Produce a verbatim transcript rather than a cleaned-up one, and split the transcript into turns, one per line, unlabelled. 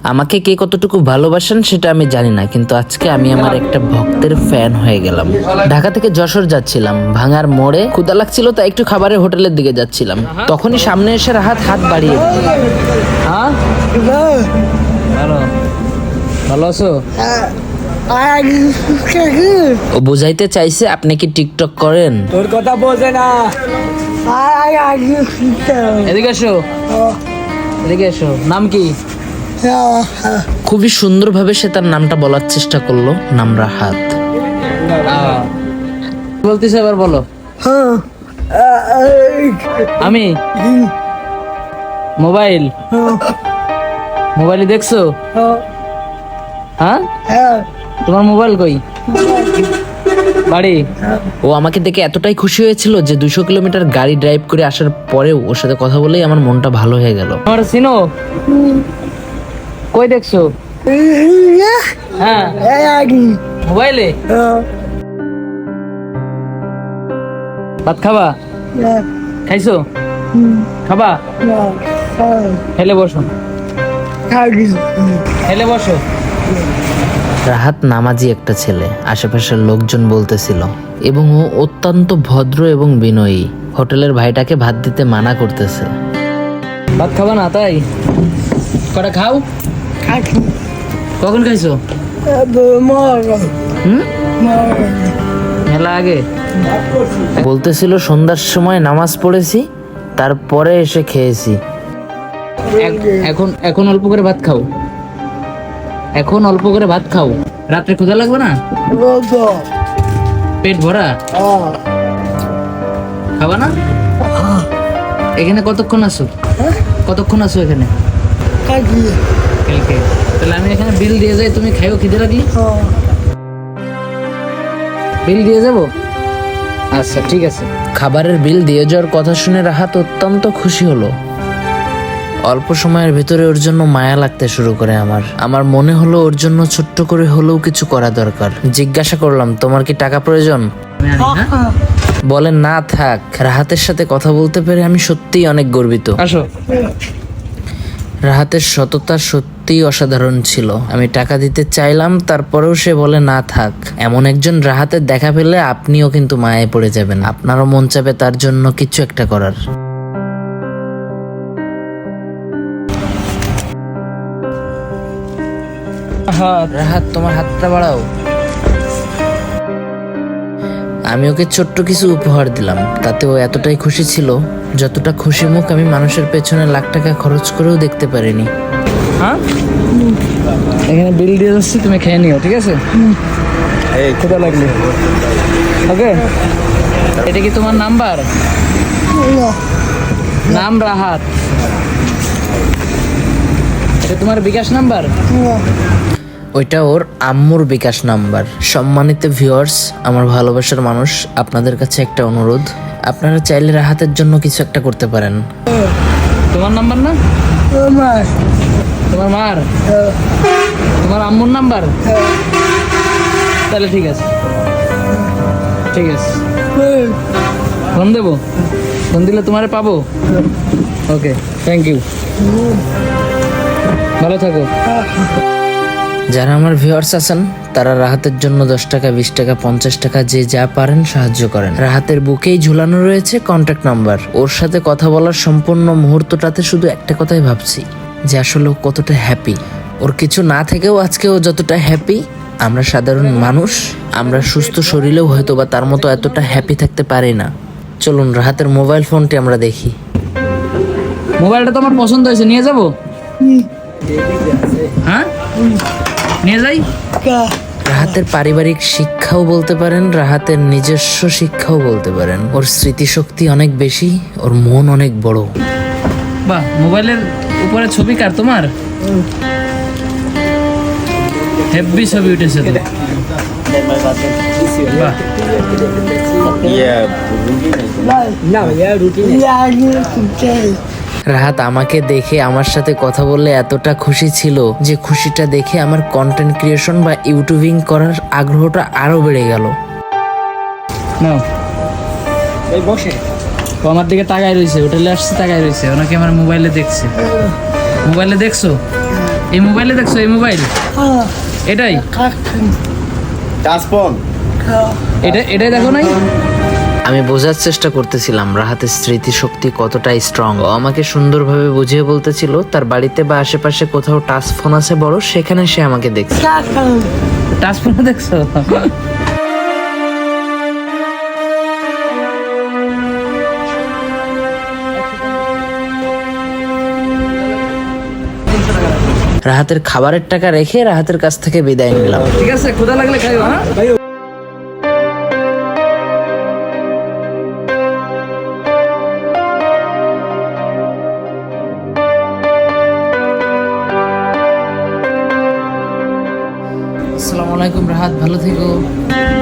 আমাকে কে কতটুকু ভালোবাসেন সেটা আমি জানি না, কিন্তু আজকে আমি আমার একটা ভক্তের ফ্যান হয়ে গেলাম। ঢাকা থেকে যশোর যাচ্ছিলাম, ভাঙার মোড়ে ক্ষুধা লাগছিল তাই একটু খাবারের হোটেলের দিকে যাচ্ছিলাম, তখনই সামনে এসে রাহাত হাত বাড়িয়ে দিল। হ্যাঁ ভালো ভালো আছো? ও বুঝাইতে চাইছে আপনি কি টিকটক করেন।
তোর কথা বোঝে না।
এদিকে এসো, এদিকে এসো। নাম কি? খুবই সুন্দরভাবে সে তার নামটা বলার চেষ্টা করলো, নাম রাহাত। বলতেছে এবার বলো। আমি মোবাইল মোবাইলে দেখছো? হ্যাঁ তোমার মোবাইল কই? বাড়ি। ও আমাকে দেখে এতটাই খুশি হয়েছিল যে দুশো কিলোমিটার গাড়ি ড্রাইভ করে আসার পরেও ওর সাথে কথা বলেই আমার মনটা ভালো হয়ে গেল। আমার চিনো? কই দেখছো? হ্যাঁ মোবাইলে। ভাত খাবা? খাইছো? খাবা? হেলে বসো, হেলে বসো। রাহাত নামাজি একটা ছেলে, আশেপাশের লোকজন বলতেছিল, এবং ও অত্যন্ত ভদ্র এবং বিনয়ী। হোটেলের ভাইটাকে ভাত দিতে মানা করতেছে। ভাত খাবা না তাই? কটা খাও। কখন খাইছো? হুম মেলা আগে। বলতেছিল সন্ধ্যার সময় নামাজ পড়েছি, তারপরে এসে খেয়েছি। এখন এখন অল্প করে ভাত খাও, এখন অল্প করে ভাত খাও। রাত্রে ক্ষুধা লাগবে না? পেট ভরা খাবা না? এখানে কতক্ষণ আছো? কতক্ষণ আছো এখানে? কালকে। তাহলে আমি এখানে বিল দিয়ে যাই, তুমি খাইও খিদে লাগলি? বিল দিয়ে যাবো? আচ্ছা ঠিক আছে। খাবারের বিল দিয়ে যাওয়ার কথা শুনে রাহাত অত্যন্ত খুশি হলো। অল্প সময়ের ভিতরে ওর জন্য মায়া লাগতে শুরু করে আমার আমার মনে হলো ওর জন্য ছোট্ট করে হলেও কিছু করা দরকার। জিজ্ঞাসা করলাম, তোমার কি টাকা প্রয়োজন? বলে না থাক। রাহাতের সাথে কথা বলতে পেরে আমি সত্যিই অনেক গর্বিত। আসো। রাহাতের সততা সত্যিই অসাধারণ ছিল। আমি টাকা দিতে চাইলাম, তারপরেও সে বলে না থাক। এমন একজন রাহাতের দেখা পেলে আপনিও কিন্তু মায়ায় পড়ে যাবেন, আপনারও মন চাবে তার জন্য কিছু একটা করার। রাহাত তোমার হাতটা বাড়াও। আমি ওকে ছোট্ট কিছু উপহার দিলাম, তাতে ও এতটাই খুশি ছিল যতটা খুশি মুখ আমি মানুষের পেছনে লাখ টাকা খরচ করেও দেখতে পারিনি। হ্যাঁ এখানে বিল দিয়ে যাচ্ছি, তুমি খেয়ে নিও, ঠিক আছে? এই ক্ষুধা লাগলে। ওকে, এটা কি তোমার নাম্বার? নাম রাহাত। এটা তোমার বিকাশ নাম্বার? ওইটা ওর আম্মুর বিকাশ নাম্বার। সম্মানিত ভিউয়ার্স, আমার ভালোবাসার মানুষ, আপনাদের কাছে একটা অনুরোধ, আপনারা চাইলে রাহাতের জন্য কিছু একটা করতে পারেন। তোমার নাম্বার না? তোমার মার? তোমার আম্মুর নাম্বার? তাহলে ঠিক আছে, ঠিক আছে। ফোন দেবো? ফোন দিলে তোমারে পাবো? ওকে, থ্যাংক ইউ, ভালো থাকো। যারা আমার ভিউয়ার্স আছেন তারা রাহাতের জন্য দশ টাকা, বিশ টাকা, পঞ্চাশ টাকা যে যা পারেন সাহায্য করেন। রাহাতের বুকেই ঝুলানো রয়েছে কন্ট্যাক্ট নাম্বার। ওর সাথে কথা বলার সম্পূর্ণ মুহূর্তটাতে শুধু একটা কথাই ভাবছি, যে আসলে ও কতটা হ্যাপি। ওর কিছু না থেকেও আজকে ও যতটা হ্যাপি, আমরা সাধারণ মানুষ, আমরা সুস্থ শরীরেও হয়তো বা তার মতো এতটা হ্যাপি থাকতে পারি না। চলুন রাহাতের মোবাইল ফোনটি আমরা দেখি। মোবাইলটা তো আমার পছন্দ হয়েছে, নিয়ে যাবো? হ্যাঁ নিয়ে যাই। রাহাতের পারিবারিক শিক্ষাও বলতে পারেন, রাহাতের নিজস্ব শিক্ষাও বলতে পারেন। ওর স্মৃতিশক্তি অনেক বেশি, ওর মন অনেক বড়। বাহ, মোবাইলের উপরে ছবি কার তোমার? হেভি ছবি উঠেছে তো। বাহ, রাহাত আমাকে দেখে আমার সাথে কথা বললে এতটা খুশি ছিল যে খুশিটা দেখে আমার কন্টেন্ট ক্রিয়েশন বা ইউটিউবিং করার আগ্রহটা আরো বেড়ে গেল। নাও, এই বসে ও আমার দিকে তাকায় রয়েছে, হোটেলে আসছে তাকায় রয়েছে, ওনাকে আমার মোবাইলে দেখছে। মোবাইলে দেখছো? এই মোবাইলে দেখছো? এই মোবাইল এটাই
টাচ ফোন।
এটা এটাই দেখো নাই? আমি বোঝার চেষ্টা করতেছিলাম রাহাতের স্মৃতিশক্তি কতটা স্ট্রং। ও আমাকে সুন্দরভাবে বুঝিয়ে বলতেছিল তার বাড়িতে বা আশেপাশে কোথাও টাচ ফোন আছে বড়, সেখানে সে আমাকে দেখছে। টাচ ফোন দেখছো? রাহাতের খাবারের টাকা রেখে রাহাতের কাছ থেকে বিদায় নিলাম। ঠিক আছে, ক্ষুধা লাগলে খাইও। হ্যাঁ আসসালামু আলাইকুম রাহাত, ভালো থেকো।